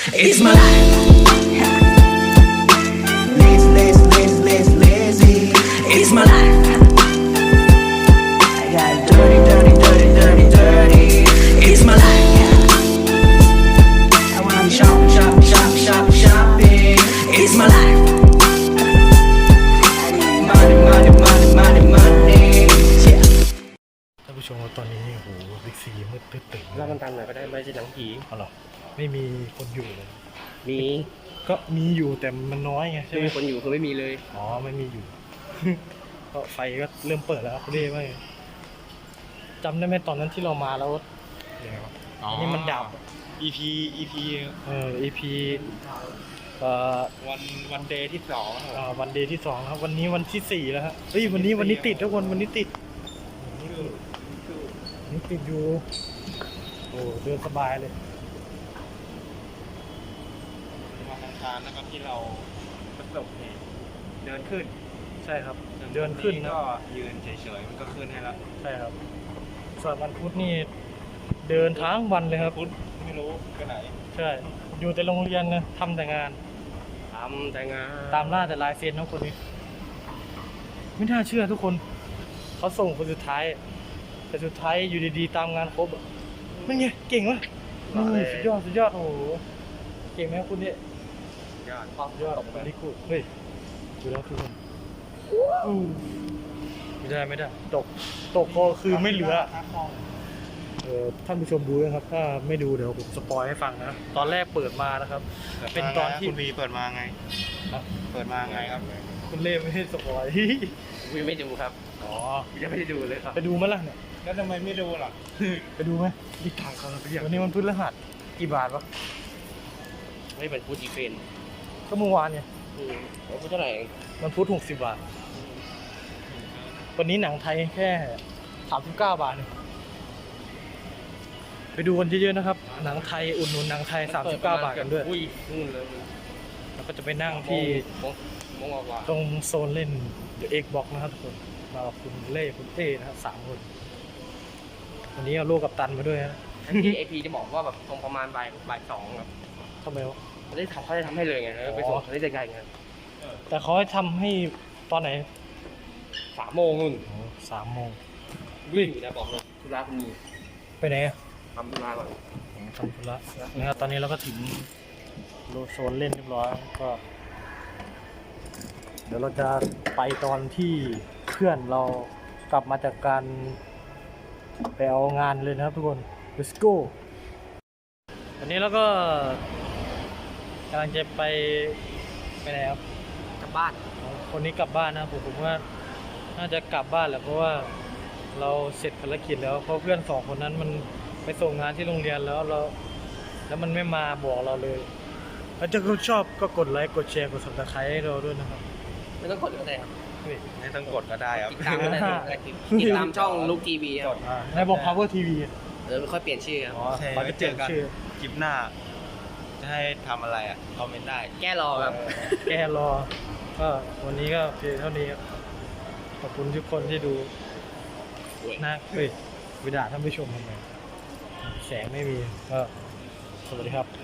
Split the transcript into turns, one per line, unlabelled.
It's my life. Lazy. It's my life. I got dirty. It's my life. I wanna shopping. It's my life. Money. Yeah.
ท่านผู้ชมตอนนี้โหบิ๊กซีมืดตึ๊ดๆ
เล่าตันๆหน่อยก็ได้ไม่ใช่หนังผี
เอาหรอไม่มีคนอยู่เลย
มี
ก็มีอยู่แต่มันน้อยไงใช่
ไม่
ไหม
มีคนอยู่คือไม่มีเลย
อ๋อไม่มีอยู่ ก็ไฟก็เริ่มเปิดแล้วเรียกว่าไงจำได้ไหมตอนนั้นที่เรามาแล้วอันนี้มันดับ
EP
EP
วันเดย์ที่2
วันเดย์ที่2ครับวันนี้วันที่4แล้วฮะเฮ้ยวันนี้ติดทุกคนวันนี้ติดอยู่โอ้เดินสบายเลย
วันอังคารนะครับที่เราประสบเหตุเดินขึ้น
ใช่ครับเดินขึ้นนะ
ก็ยืนเฉยๆมันก็ขึ้นให้แล้ว
ใช่ครับส่วนวันพุธนี่เดินทั้งวันเลยครับ
พุธไม่รู้ไปไหน
ใช่อยู่แต่โรงเรียนนะทำแต่งาน
ทำแต่งาน
ตามล่าแต่ลายเซ็นทั้งคนนี้ไม่น่าเชื่อทุกคนเขาส่งคนสุดท้ายแต่สุดท้ายอยู่ดีๆตามงานครบอ่ะไม่ไงเก่งวะนี่สุดยอดโอ้โหเก่งไหมครับคุณเนี่ย
ยอด
ยอดบริกูเฮ้ยดูแล้วทุกคนไม่ได้ตกก็คือไม่เหลือท่านผู้ชมดูนะครับถ้าไม่ดูเดี๋ยวผมสปอยให้ฟังนะตอนแรกเปิดมานะครับเป็นตอนที่
คุณวีเปิดมาไงเปิดมาไงครับ
คุณเล่ไม่ให้สปอย
วิวไม่ดูครับ
อ๋อ
ยังไม่ได้ดูเลยครับ
ไปดูมั้ยล่ะเนี่ย
แล้วทำไมไม่ดูล่ะ
ไปดูไหมดีทางเขาเราไปวันนี้มันพฤหัสกี่บาทวะ
ไม่เป็นพูดอีเฟน
ก็เมื่อวานเนี่ย
พูดเท่าไหร่
มันพุธ60 บาทวันนี้หนังไทยแค่39 บาทเนี่ยไปดูกันเยอะๆนะครับหนังไทยอุดหนุนหนังไทย39 บาทกันด้วย
อุ้ยนู่นเลย
แล้วก็จะไปนั่งที่
มองว่า
ตรงโซนเล่น Xbox นะครับทุกคนมากับคุณเล่คุณเต้นะครับ3 คนวันนี้เอาลูกกับตันมาด้วยนะ
ที่ไอพีจะบอกว่าแบบตรงประมาณบ่ายสองครับ
ทำไมวะ
เขาได้ทำให้เลยไงแล้วไปส่งเขาได้ใจไง
แต่เขาให้ทำให้ตอนไหน
3 โมงนู่น
3 โมง
วิ่งอยู่นะบอกเลยธุระคุณมี
ไปไหนอะ
ทำธุระก่อน
ทำธุระนะครับตอนนี้เราก็ถึงโซนเล่นเรียบร้อยก็เดี๋ยวเราจะไปตอนที่เพื่อนเรากลับมาจากการไปเอางานเลยนะครับทุกคน let's go วันนี้เราก็กำลังจะไปไหนครับ
กลับบ้าน
คนนี้กลับบ้านนะผมว่าน่าจะกลับบ้านแหละเพราะว่าเราเสร็จภารกิจแล้วเพราะเพื่อน2 คนนั้นมันไปส่งงานที่โรงเรียนแล้วมันไม่มาบอกเราเลยถ้าเจอคุณชอบก็กดไลค์กดแชร์กด Subscribe ให้เราด้วยนะครับ
ไม่ต้องกดก็ได้ครับ
ไม่ต้องกดก็ได้ครับ
ติดตามก็ได้ติดตามช่องลูกทีวีครับ
ในบอก Power TV
เดี๋ยวค่อยเปลี่ยนชื่อครับ
อ๋อ
ใช่
ไปเจอกันชื่อ
คลิปหน้า จะให้ทำอะไรอ่ะคอมเมนต์ได้
แก้รอครับ
แกรอก็วันนี้ก็เพียงเท่านี้ครับขอบคุณทุกคนที่ดูนะวิดาท่านผู้ชมทำไมแสงไม่มีก็สวัสดีครับ